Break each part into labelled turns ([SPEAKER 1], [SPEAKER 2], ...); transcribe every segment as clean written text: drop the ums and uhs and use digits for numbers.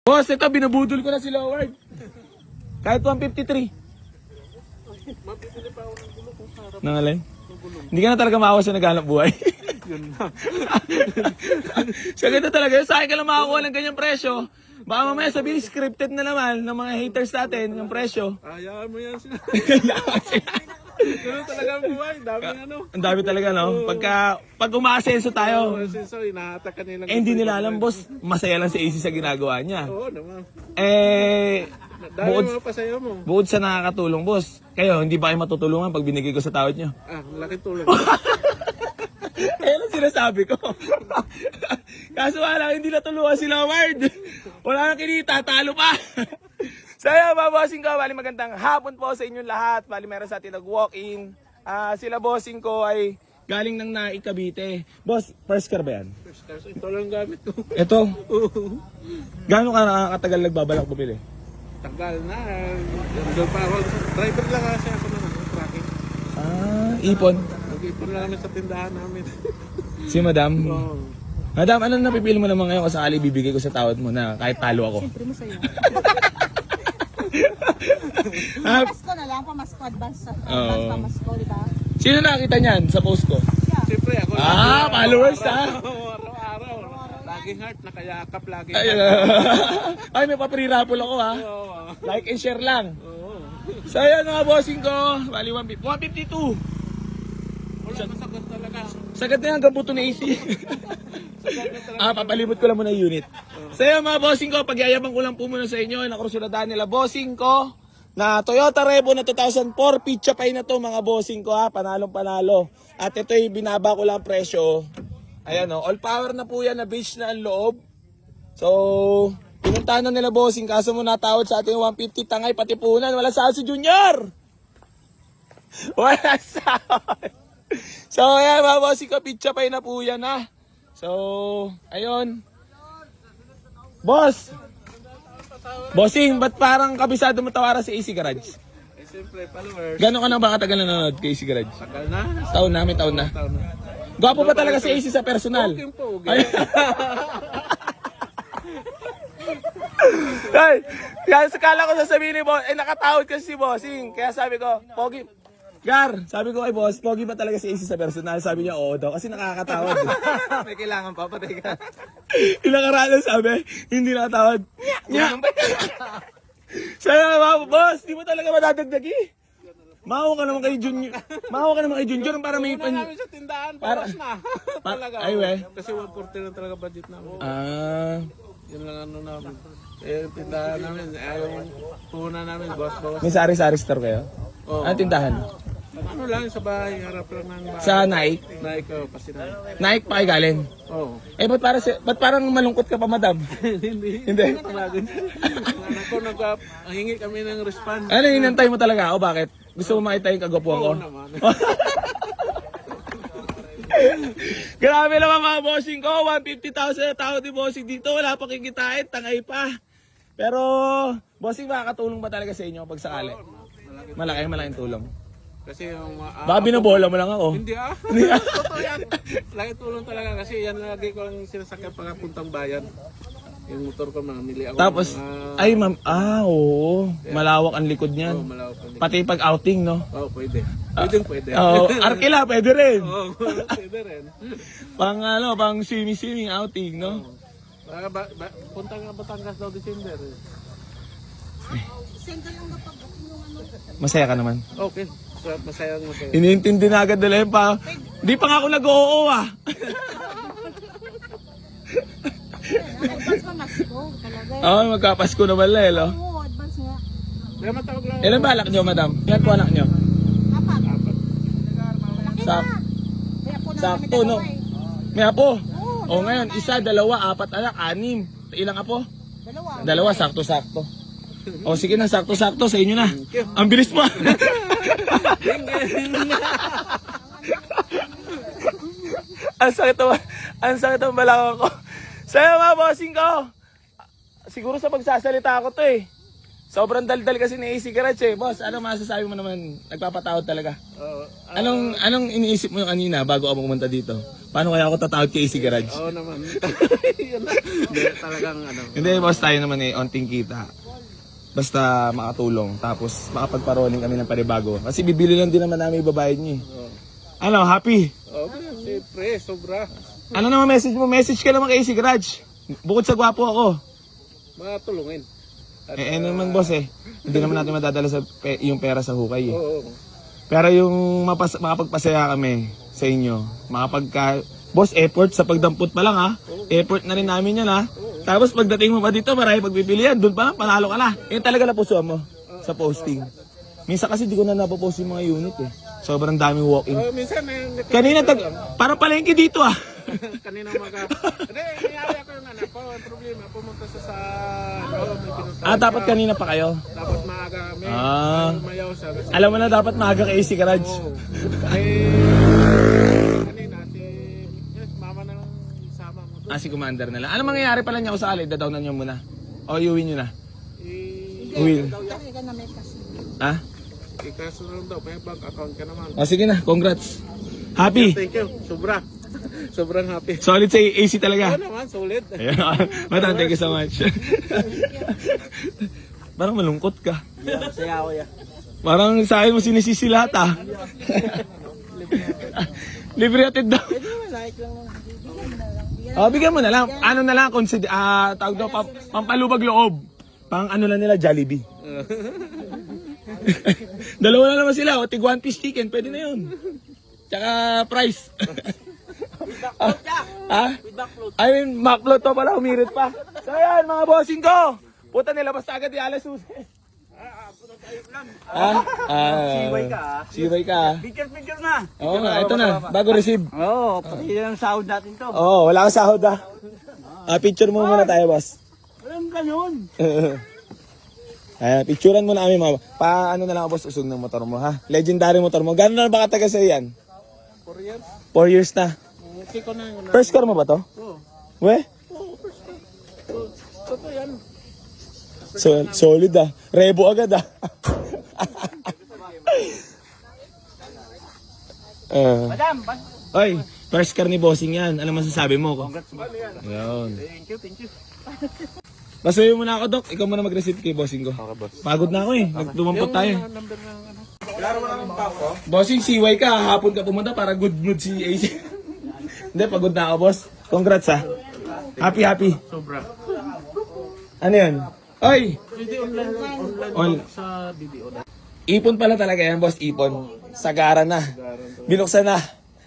[SPEAKER 1] Boss, ito, binubudol ko na si Loward. Kahit 153.
[SPEAKER 2] Mabibili pa ako ng gulo kung sarap
[SPEAKER 1] Nangalay?
[SPEAKER 2] ng gulo.
[SPEAKER 1] Hindi ka na talaga makakuha sa naghanap buhay.
[SPEAKER 2] Yun na.
[SPEAKER 1] Sa ganito talaga, sa akin ka lang makakuha ng ganyang presyo. Baka mamaya sabihin, scripted na naman ng mga haters natin, yung presyo.
[SPEAKER 2] Hayaan mo yan sila.
[SPEAKER 1] Kailangan sila.
[SPEAKER 2] Ganun talaga ang buhay. Dami ano.
[SPEAKER 1] Ang dami talaga, no? Pag umaasenso tayo,
[SPEAKER 2] So, inahatak ka nilang.
[SPEAKER 1] hindi nila alam, boss, masaya lang si AC sa ginagawa niya.
[SPEAKER 2] Oo naman.
[SPEAKER 1] Bukod,
[SPEAKER 2] Dami mga pasaya mo.
[SPEAKER 1] bukod sa nakakatulong, boss, kayo, hindi ba kayo matutulungan pag binigay ko sa tawad niyo?
[SPEAKER 2] Laking tulong.
[SPEAKER 1] Ayan ang sinasabi ko. Kaso wala, hindi natulungan si Loward. Wala nang kinita, talo pa. Saya, bossing ko, bali magandang hapon po sa inyong lahat. Bali meron sa atin nag-walk-in. Sila bossing ko ay galing ng Naik, Cavite. Boss, first car ba yan?
[SPEAKER 2] Ito lang gamit ko.
[SPEAKER 1] Ito, gaano ka nakakatagal nagbabalak bumili?
[SPEAKER 2] Tagal na. Doon pa ako. Driver lang kasi ako ng tracking.
[SPEAKER 1] Ipon.
[SPEAKER 2] Nag-ipon lang kami sa tindahan namin.
[SPEAKER 1] Si Madam.
[SPEAKER 2] Oo.
[SPEAKER 1] Madam, anong napipili mo naman ngayon kung sakali bibigay ko sa tawad mo na kahit talo ako?
[SPEAKER 3] Siyempre masaya.
[SPEAKER 1] Ah,
[SPEAKER 3] Pasko na lang, pamasko, advance
[SPEAKER 1] Oo.
[SPEAKER 3] pamasko, di ba?
[SPEAKER 1] Sino nakita niyan sa post ko?
[SPEAKER 2] Siyempre ako.
[SPEAKER 1] Followers
[SPEAKER 2] Araw-araw. Laging heart. Nakayakap lagi.
[SPEAKER 1] Ay, may pa-pre-raffle ako ha.
[SPEAKER 2] Oo.
[SPEAKER 1] Like and share lang.
[SPEAKER 2] Oo.
[SPEAKER 1] So ayan mga bossing ko, bali 152.
[SPEAKER 2] Wala masagot talaga.
[SPEAKER 1] Sagad na yan, hanggang buto na AC. Papalibot ko lang muna yung unit. So ayan mga bossing ko, pagyayabang ko lang po muna sa inyo, nakurusuladaan nila bossing ko na Toyota Revo na 2004, pizza pay na to mga bossing ko ha, panalong panalo. At ito yung binaba ko lang presyo. Ayan o, all power na po yan, na beach na ang loob. So, pinuntahan na nila bossing, kaso mo natawad sa ating 150, tangay pati punan, wala saan si Junior! Wala saan! So, ayan mga bossing ko, pizza pay na po yan ha. So, ayun. Boss! Bossing, ba't parang kabisado mo tawaran sa AC Garage?
[SPEAKER 2] Siyempre, followers.
[SPEAKER 1] Gano'n ka na ba katagal nanonood kay AC Garage?
[SPEAKER 2] Tagal na.
[SPEAKER 1] Taon na, may taon na.
[SPEAKER 2] Taon na.
[SPEAKER 1] Gwapo ba talaga si AC sa personal?
[SPEAKER 2] Yung pogi.
[SPEAKER 1] Ay, kaya sakala ko sasabihin ni boss, nakatawad kasi si bossing. Kaya sabi ko, pogi. Gar, sabi ko kay boss, pogi ba talaga si AC sa personal? Sabi niya, oo daw, kasi nakakatawad.
[SPEAKER 2] May kailangan pa, patay ka.
[SPEAKER 1] Ilang aralan sabi, hindi nakatawad. Nya! Sabi nga, boss, di mo talaga madadagdagi. Mahawa ka naman kay Junior. Mahawa ka naman kay Junior para may
[SPEAKER 2] Una namin sa tindahan,
[SPEAKER 1] Para-
[SPEAKER 2] paras na. Talaga.
[SPEAKER 1] Ay, we.
[SPEAKER 2] Kasi 140 lang talaga budget namin. Yun lang ano namin. Eh, yung tindahan namin, yung puhunan namin, boss.
[SPEAKER 1] May sari-sari store kayo?
[SPEAKER 2] Oo.
[SPEAKER 1] Anong tindahan?
[SPEAKER 2] Ano lang, sa bahay, harap lang ng bahay.
[SPEAKER 1] Sa Nike?
[SPEAKER 2] Na ikaw, kasi na.
[SPEAKER 1] Nike pa kayo galing?
[SPEAKER 2] Oo.
[SPEAKER 1] Ba't parang malungkot ka pa, madam?
[SPEAKER 2] Hindi.
[SPEAKER 1] Hindi.
[SPEAKER 2] Talaga. Anak ko, hingi kami ng response.
[SPEAKER 1] Ano, inantay mo talaga ako? Bakit? Gusto mo makita yung kagwapuan ko?
[SPEAKER 2] Oo naman.
[SPEAKER 1] Grabe naman mga bossing ko, 150,000 na tao di bossing dito, wala pa kikitain, tangay pa. Pero, bossing, makakatulong ba talaga sa inyo pag sakali? Malaking tulong.
[SPEAKER 2] Kasi yung...
[SPEAKER 1] Baka binabola mo lang ako.
[SPEAKER 2] Hindi Totoo yan. Lagi tulong talaga kasi yan lagi ko ang sinasakyan pagkapuntang bayan. Yung motor ko, mamili ako.
[SPEAKER 1] Tapos, ay ma'am, oo, malawak ang likod niyan.
[SPEAKER 2] Oo, malawak pa.
[SPEAKER 1] Pati pag outing, no?
[SPEAKER 2] Oo, pwede. Pwede.
[SPEAKER 1] Arkila, pwede rin.
[SPEAKER 2] Oo, pwede rin.
[SPEAKER 1] Pang swimming outing, no?
[SPEAKER 2] Punta nga Batangas daw December.
[SPEAKER 3] Single lang kapag yung ano.
[SPEAKER 1] Masaya ka naman.
[SPEAKER 2] Okay. Masaya.
[SPEAKER 1] Iniintindi na agad nila yun pa. Di pa nga ako nag-oo ah.
[SPEAKER 3] Advance pamasko, talaga.
[SPEAKER 1] Oo, magkapasko naman lang, no?
[SPEAKER 3] Oo, advance nga.
[SPEAKER 2] Kaya matawag lang.
[SPEAKER 1] Ilan balak nyo, madam? Ilan po anak nyo?
[SPEAKER 3] Apat. Malaki
[SPEAKER 1] Sak-
[SPEAKER 3] na. Kaya po na kami
[SPEAKER 1] Sakto, no?
[SPEAKER 3] dalawa eh.
[SPEAKER 1] May apo.
[SPEAKER 3] Oo,
[SPEAKER 1] O ngayon, isa, dalawa, apat anak, anim. Ilang apo?
[SPEAKER 3] Dalawa.
[SPEAKER 1] Dalawa, sakto-sakto. O sige na, sakto-sakto sa inyo na. Ang bilis mo. Ang sakit ang balakang ko. Sa'yo mga bossing ko. Siguro sa pagsasalita ko to eh. Sobrang daldal kasi ni AC Garage eh. Boss, ano masasabi mo naman? Nagpapatawad talaga.
[SPEAKER 2] Oo.
[SPEAKER 1] Anong iniisip mo kanina bago ako pumunta dito? Paano kaya ako tatawad kay AC Garage?
[SPEAKER 2] Oo naman. yun. Hindi, talagang ano.
[SPEAKER 1] Hindi, boss, tayo naman eh, onting kita. Basta makatulong. Tapos makapagparoling kami ng panibago. Kasi bibili lang din naman namin ibabayad niyo eh. Ano, happy?
[SPEAKER 2] Okay, siyempre, sobra.
[SPEAKER 1] Ano naman message mo? Message ka naman kay AC Garage. Bukod sa gwapo ako.
[SPEAKER 2] Matulungin.
[SPEAKER 1] Ano naman boss eh. Hindi naman natin madadala yung pera sa hukay eh.
[SPEAKER 2] Oo.
[SPEAKER 1] Pero yung makapagpasaya kami sa inyo, boss, effort sa pagdampot pa lang ha. Effort na rin namin yan ha. Tapos pagdating mo pa dito, marami pagpipilian. Doon pa, panalo ka na. Yun talaga napusuan mo sa posting. Minsan kasi di ko na napopost yung mga unit eh. Sobrang daming walk-in.
[SPEAKER 2] Minsan,
[SPEAKER 1] Kanina, parang palengke dito ah.
[SPEAKER 2] kanina Hindi, nangyari ako yung anak ko. Ang problema, pumunta sa may pinuntahan.
[SPEAKER 1] Ah, dapat kanina pa kayo.
[SPEAKER 2] Dapat maaga kami. Mayaw siya. Kasi,
[SPEAKER 1] Alam mo na, dapat maaga kay AC Garage.
[SPEAKER 2] kanina, mama na lang isama mo doon.
[SPEAKER 1] Ah, si Commander na lang. Ano mangyayari pala niya kung sakali? Dadawnan niyo muna. O, iuwi niyo na. Will.
[SPEAKER 3] Kasi ka na may kasi.
[SPEAKER 1] Ha?
[SPEAKER 2] Ikaso na lang daw, may bank account ka naman.
[SPEAKER 1] O, sige na. Congrats. Happy.
[SPEAKER 2] Thank you, sobra. Sobrang happy.
[SPEAKER 1] Solid sa AC talaga.
[SPEAKER 2] Oo naman, solid.
[SPEAKER 1] Ayan. Madam, thank you so much. Parang malungkot ka.
[SPEAKER 2] Saya ako ya.
[SPEAKER 1] Parang sa akin mo sinisisi lahat ah. Libre atid daw.
[SPEAKER 2] Like lang naman.
[SPEAKER 1] Oh, bigyan mo na lang. Ano na lang, tawag daw, pampalubag loob. Pang ano lang nila, Jollibee. Dalawa na naman sila, o tig one piece chicken, pwede na yun. Tsaka price. Ha? I mean, McFloat to pala, humirit pa. So yan, mga bossing ko. Puta nila, basta agad yung alas susi. Siway ka Siway ka
[SPEAKER 4] Picture na.
[SPEAKER 1] Oo nga, ito na. Bago receive.
[SPEAKER 4] Oo, pati yung sahod natin to.
[SPEAKER 1] Oo, wala kang sahod ah. Picture mo muna tayo, boss.
[SPEAKER 4] Walang ganun.
[SPEAKER 1] Ayan, picturean mo na kami mga. Paano na lang boss, usog ng motor mo ha? Legendary motor mo. Gano'n na ba katagal sa'yo yan?
[SPEAKER 2] 4 years.
[SPEAKER 1] 4 years na.
[SPEAKER 2] Okay ko na yun.
[SPEAKER 1] First car mo ba to?
[SPEAKER 2] Oo.
[SPEAKER 1] We?
[SPEAKER 2] Oo, first time. Totoo yan.
[SPEAKER 1] Solid ah. Rebo agad ah.
[SPEAKER 4] Madam,
[SPEAKER 1] Oy, first car ni bossing yan. Ano masasabi mo ko?
[SPEAKER 4] congrats mo.
[SPEAKER 1] Ayun.
[SPEAKER 2] Thank you.
[SPEAKER 1] Basuyin mo na ako, Dok. Ikaw muna mag-receive kay bossing ko.
[SPEAKER 2] Okay, boss.
[SPEAKER 1] Pagod na ako eh. Nagdumampot tayo.
[SPEAKER 2] Number ng ano.
[SPEAKER 1] Bossing, siway ka. Hapon ka pumunta para good mood si AC. Hindi, pagod na ako, boss. Congrats ah. Happy.
[SPEAKER 2] Sobra.
[SPEAKER 1] Ano yan? Oy!
[SPEAKER 2] Hindi online
[SPEAKER 1] On-
[SPEAKER 2] sa BDO na.
[SPEAKER 1] Ipon pala talaga yan, boss. Ipon. Sagara na. Binuksan na.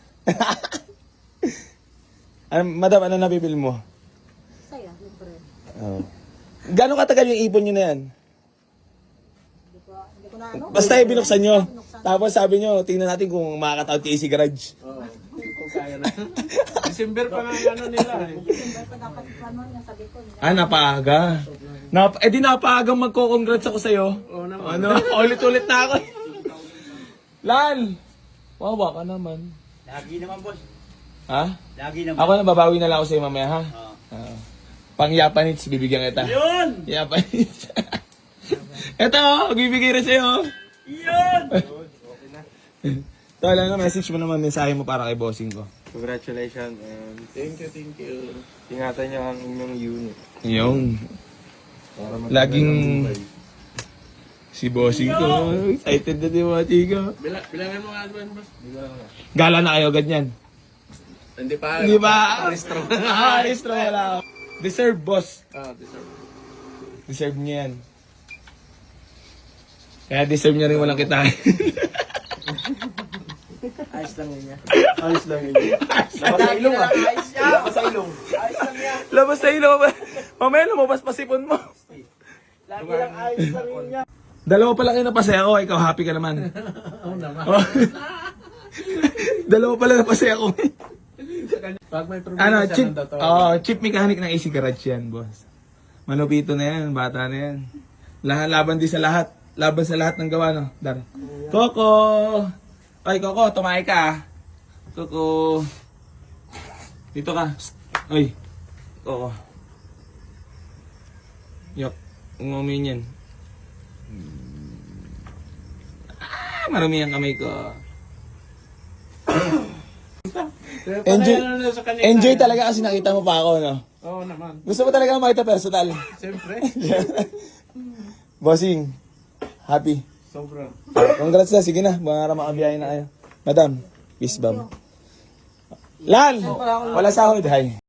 [SPEAKER 1] Madam, ano nabibili mo?
[SPEAKER 3] Saya, libre.
[SPEAKER 1] Oh. Gano'ng katagal yung ipon nyo na yan?
[SPEAKER 3] Hindi ko na ano.
[SPEAKER 1] Basta binuksan nyo. Tapos sabi nyo, tingnan natin kung makakatawag kay AC Garage.
[SPEAKER 2] Oo. Kung kaya na. December pa nga yung ano nila eh.
[SPEAKER 3] Hindi pa dapat ano yung sabi ko.
[SPEAKER 1] Napaaga. Di napaagang magko-congrats ako sa'yo.
[SPEAKER 2] Oo naman.
[SPEAKER 1] Ano? Ulit-ulit na ako. Lal! Wawa ka naman.
[SPEAKER 4] Lagi naman, boss.
[SPEAKER 1] Ha?
[SPEAKER 4] Lagi naman.
[SPEAKER 1] Ako na, babawi na lang ako sa'yo mamaya, ha? Pang Japanese, bibigyan kita.
[SPEAKER 4] Yun!
[SPEAKER 1] Japanese. Ito, bibigay rin sa'yo.
[SPEAKER 4] Yun!
[SPEAKER 1] Ito, lang message mo naman, mensahe mo para kay bossing ko.
[SPEAKER 5] Congratulations and
[SPEAKER 2] Thank you.
[SPEAKER 5] ingatan niyo ang inyong unit.
[SPEAKER 1] Yung,
[SPEAKER 5] Para maganda
[SPEAKER 1] laging
[SPEAKER 5] ng buhay.
[SPEAKER 1] si bossing ko. Excited na din mga tiga.
[SPEAKER 2] Bilangan mo nga boss.
[SPEAKER 1] Gala na kayo, ganyan.
[SPEAKER 2] Hindi pa.
[SPEAKER 1] Di ba? Restro wala. Deserve, boss.
[SPEAKER 2] Deserve.
[SPEAKER 1] Deserve niya yan. Kaya deserve niya rin walang kitain.
[SPEAKER 4] Ayos lang yun niya.
[SPEAKER 5] Ayos lang yun.
[SPEAKER 4] Labas sa ilong ah. Ayos niya. Labas sa ilong. Ayos lang niya.
[SPEAKER 1] Labas sa ilo. Mamaya lumabas pa sipon mo.
[SPEAKER 4] Lagi lang ayos lang yun niya.
[SPEAKER 1] Dalawa pala kayo napasaya ko. Ikaw happy ka naman.
[SPEAKER 2] Oo naman.
[SPEAKER 1] Dalawa pala napasaya ko.
[SPEAKER 2] Pag may problema
[SPEAKER 1] Ano,
[SPEAKER 2] siya,
[SPEAKER 1] chip,
[SPEAKER 2] nandito.
[SPEAKER 1] chip mechanic ng AC Garage yan, boss. Malupito na yan, bata na yan. Laban din sa lahat. Laban sa lahat ng gawa, no? Dar. Coco! Ay, Coco, tumahay ka, ah. Coco. Dito ka. Psst. Oy. Coco. Yok. Umumin yan. Marami ang kamay ko. Enjoy-
[SPEAKER 2] Patayan na sa kanila.
[SPEAKER 1] Enjoy talaga kasi nakita mo pa ako, no?
[SPEAKER 2] Oo naman.
[SPEAKER 1] Gusto mo talaga makita personal.
[SPEAKER 2] Siyempre.
[SPEAKER 1] Bossing, happy.
[SPEAKER 2] Sobra.
[SPEAKER 1] Congrats na, sige na. Mga makabiyahin na kayo. Madam, peace bomb. Lan, wala sahod, hi.